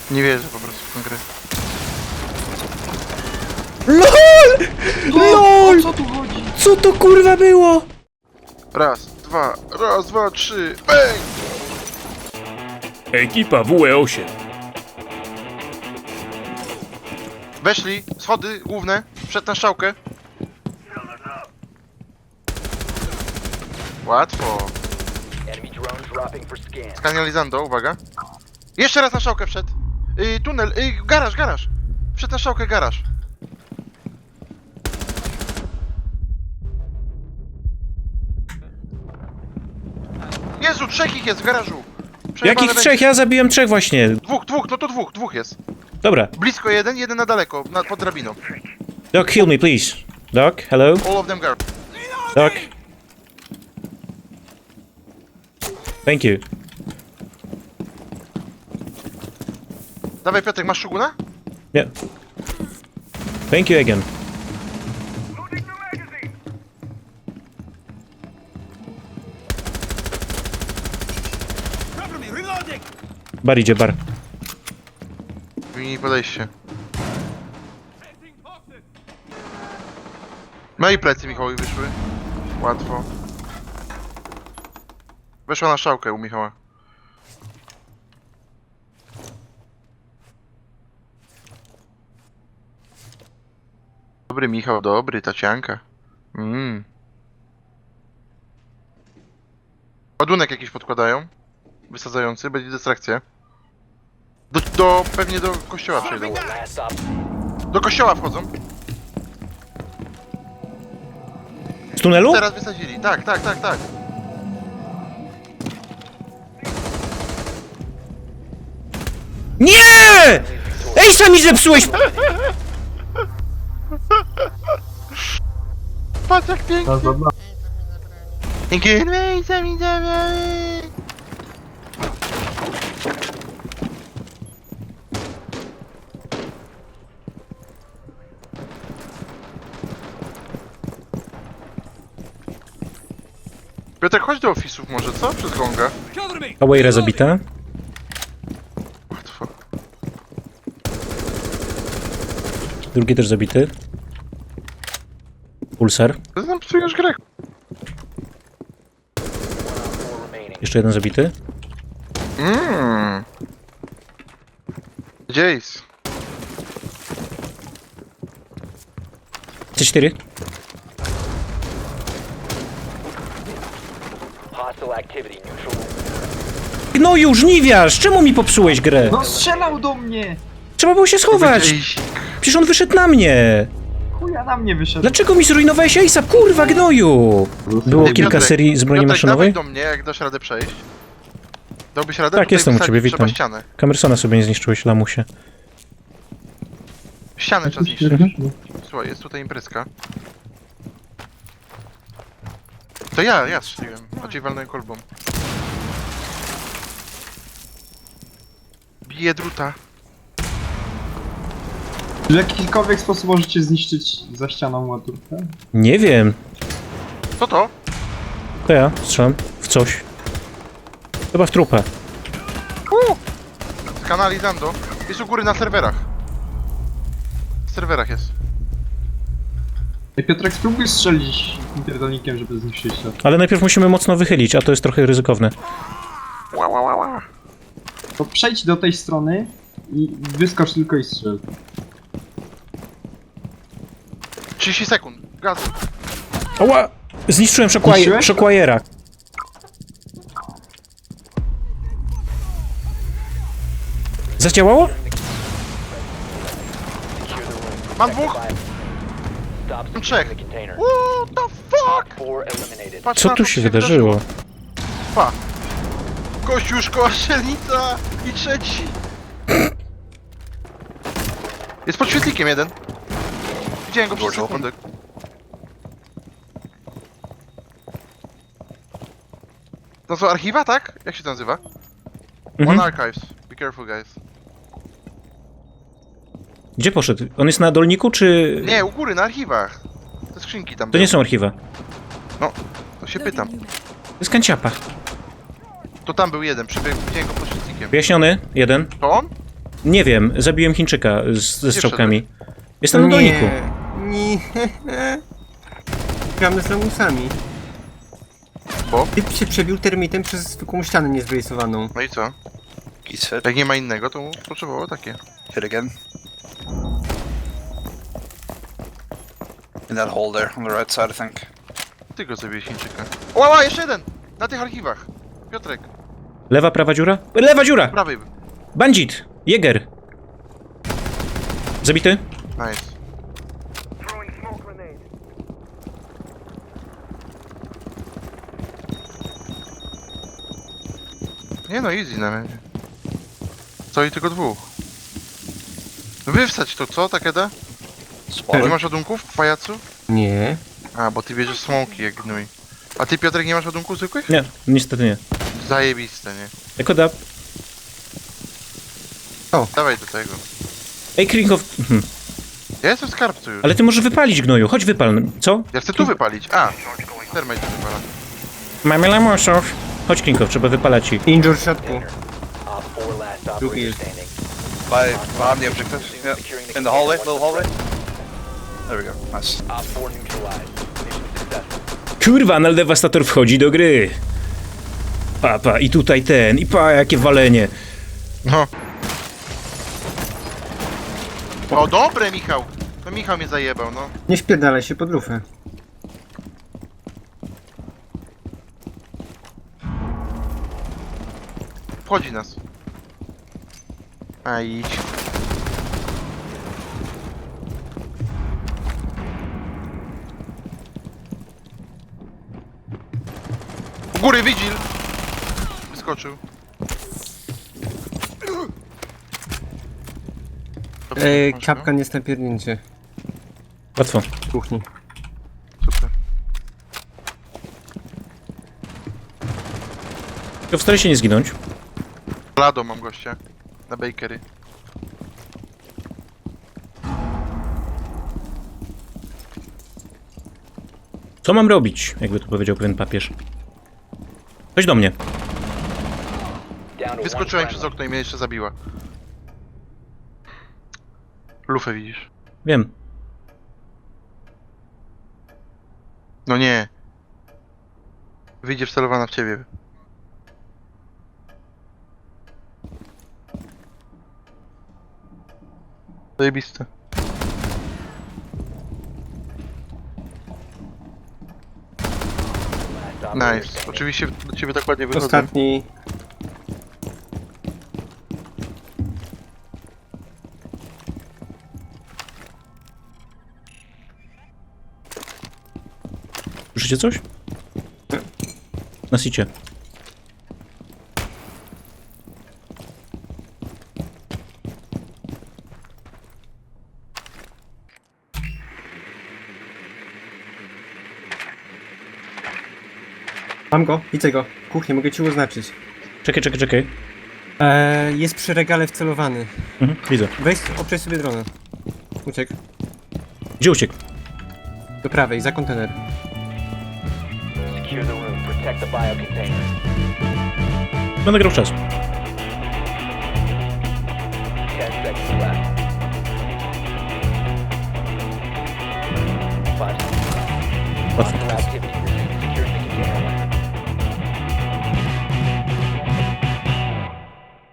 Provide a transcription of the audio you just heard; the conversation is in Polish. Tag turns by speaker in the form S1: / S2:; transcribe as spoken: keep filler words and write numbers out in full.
S1: Nie wierzę po prostu w tę grę.
S2: LOL! LOL!
S3: O co tu chodzi?
S2: Co to kurwa było?
S1: Raz, dwa, raz, dwa, trzy, bang!
S2: Ekipa W E osiem.
S1: Weszli, schody główne, przed na strzałkę. Łatwo. Skanalizando, uwaga. Jeszcze raz na strzałkę wszedł. Yy, tunel, yy, garaż, garaż. Przed na strzałkę, garaż. Jezu, trzech ich jest w garażu. Przejebane
S2: Jakich
S1: będzie.
S2: trzech? Ja zabiłem trzech właśnie.
S1: Dwóch, dwóch, no to dwóch, dwóch jest.
S2: Dobra.
S1: Blisko jeden, jeden na daleko, na, pod drabiną.
S2: Doc, heal me, please. Doc, hello?
S1: All of them guard.
S2: Doc. Thank you.
S1: Dawaj Piotrek, masz szuguna?
S2: Yeah. Thank you again. Bar idzie, bar.
S1: Wymienij podejście. No i plecy Michałowi wyszły. Łatwo. Weszła na szałkę u Michała. Dobry Michał, dobry, tacianka. Mmm. Ładunek jakiś podkładają. Wysadzający, będzie dystrakcja. Do, do, pewnie do kościoła przejdą. Do kościoła wchodzą.
S2: Z tunelu?
S1: Teraz wysadzili, tak, tak, tak, tak.
S2: Nie! Ej, sami zepsułeś!
S1: Patrz jak pięknie. Dzięki. Piotrek, chodź do ofisów może, co? Przez gonga.
S2: Awayra zabita.
S1: Łatwo.
S2: Drugi też zabity. Pulsar.
S1: To nam psujesz grę.
S2: Jeszcze jeden zabity.
S1: Mmm. Jace.
S2: C cztery. No już, żniwiarz! Czemu mi popsułeś grę?
S3: No strzelał do mnie!
S2: Trzeba było się schować!
S1: Jace.
S2: Przecież on wyszedł na mnie!
S3: Chuja na mnie wyszedł.
S2: Dlaczego mi zrujnowałeś Ace'a? Kurwa, gnoju! Było
S1: Ty,
S2: kilka
S1: Piotrek,
S2: serii z broni
S1: Piotrek,
S2: maszynowej?
S1: dawaj do mnie, jak dasz radę przejść. Dałbyś radę?
S2: Tak,
S1: Tutaj
S2: jestem u
S1: wysadzić
S2: ciebie,
S1: trzeba
S2: witam.
S1: ścianę.
S2: Kamersona sobie nie zniszczyłeś, lamusie.
S1: Ścianę trzeba zniszczyć.
S2: Mhm.
S1: Słuchaj, jest tutaj imprezka. To ja, ja strzeliłem. Bardziej walnąłem kolbą. Bije druta.
S3: W jakikolwiek sposób możecie zniszczyć za ścianą ładunkę?
S2: Nie wiem.
S1: Co to?
S2: To ja strzelam w coś. Chyba w trupę.
S1: Uh! Skanalizando. Jest u góry na serwerach. W serwerach jest.
S3: Ej, Piotrek, spróbuj strzelić pierdolnikiem, żeby zniszczyć to.
S2: Ale najpierw musimy mocno wychylić, a to jest trochę ryzykowne.
S1: Ła, ła, ła, ła.
S3: To przejdź do tej strony i wyskocz tylko i strzel.
S1: trzydzieści sekund. Gazu.
S2: Oła! Zniszczyłem Shockwire-
S3: Zniszczyłeś?
S2: Shockwire'a. Zadziałało?
S1: Mam dwóch. Mam trzech. What the fuck? Patrz
S2: Co
S1: na
S2: tu
S1: to,
S2: się wydarzyło?
S1: Pa. Kościół, szkoła, strzelnica i trzeci. Jest pod świetlikiem jeden. Widziałem go przez sekundę. To są archiwa, tak? Jak się to nazywa?
S2: Mhm.
S1: One Archives. Be careful, guys.
S2: Gdzie poszedł? On jest na dolniku, czy...
S1: Nie, u góry, na archiwach. Te skrzynki tam
S2: To nie
S1: były.
S2: są archiwa.
S1: No, to się pytam.
S2: To jest kanciapa.
S1: To tam był jeden, przebiegł, widziałem go pod świetlikiem.
S2: Wyjaśniony, jeden.
S1: To on?
S2: Nie wiem, zabiłem Chińczyka z, ze strzałkami. Jestem na
S4: nie,
S2: doniku.
S4: nie. Gramy z lamusami.
S1: Bo?
S4: Typ się przebił termitem przez zwykłą ścianę niezbrejsowaną.
S1: No i co?
S5: He's hit.
S1: Jak nie ma innego, to potrzebowało takie.
S5: Hit again. In that hole there, on the right side, I think.
S1: Ty go zabiłeś Chińczyka. Łała, jeszcze jeden! Na tych archiwach. Piotrek,
S2: Lewa, prawa dziura? Lewa dziura!
S1: prawej.
S2: Bandit! Jäger! Zabity?
S1: Nice. Nie no, easy na razie. Co i tylko dwóch. Wywstać to, co, Takeda? Nie
S5: Spotted.
S1: masz ładunków, pajacu?
S4: Nie.
S1: A, bo ty bierzesz smoki jak gnój. A ty, Piotrek, nie masz ładunków zwykłych?
S2: Nie, niestety nie.
S1: Zajebiste, nie?
S2: Eko da.
S1: Dawaj do tego.
S2: Ej, Krinkow... Mhm.
S1: Ja jestem w skarbcu już.
S2: Ale ty możesz wypalić, gnoju. Chodź wypal. Co?
S1: Ja chcę tu wypalić. A, termite tu wypala.
S2: Mamy lamusów. Chodź, Krinkow, trzeba wypalać ich.
S4: Injure w środku. Drugi jest.
S5: By, behind the objective. Yeah. In the hallway, little hallway. There we go. Nice.
S2: Kurwa, Nal Devastator wchodzi do gry. Pa, pa, i tutaj ten, i pa, jakie walenie.
S1: No. O, dobre, Michał! To Michał mnie zajebał, no.
S4: Nie śpierdalaj się pod lufę.
S1: Wchodzi nas. A idź. U góry Vigil! Wyskoczył. Dobrze,
S4: Ej,
S1: masz,
S4: kapkan jest na pierdnięcie.
S2: Łatwo.
S4: W kuchni.
S1: no? Super.
S2: Tylko wstara się nie zginąć.
S1: Lado mam gościa. Na bakery.
S2: Co mam robić, jakby to powiedział pewien papież. Chodź do mnie.
S1: Wyskoczyłem przez okno i mnie jeszcze zabiła. Lufę widzisz?
S2: Wiem.
S1: No nie. Wyjdzie wcelowana w ciebie. Zajebiste. Nice. Oczywiście do ciebie tak ładnie wychodzę.
S4: Ostatni.
S2: Słyszycie coś? Na sicie.
S4: Mam go, widzę go. W kuchni, mogę ci oznaczyć.
S2: Czekaj, czekaj, czekaj.
S4: Eee, jest przy regale wcelowany.
S2: Mhm, widzę.
S4: Weź, obczaj sobie dronę. Uciekł.
S2: Gdzie uciekł?
S4: Do prawej, za kontener.
S2: Będę grał w czas.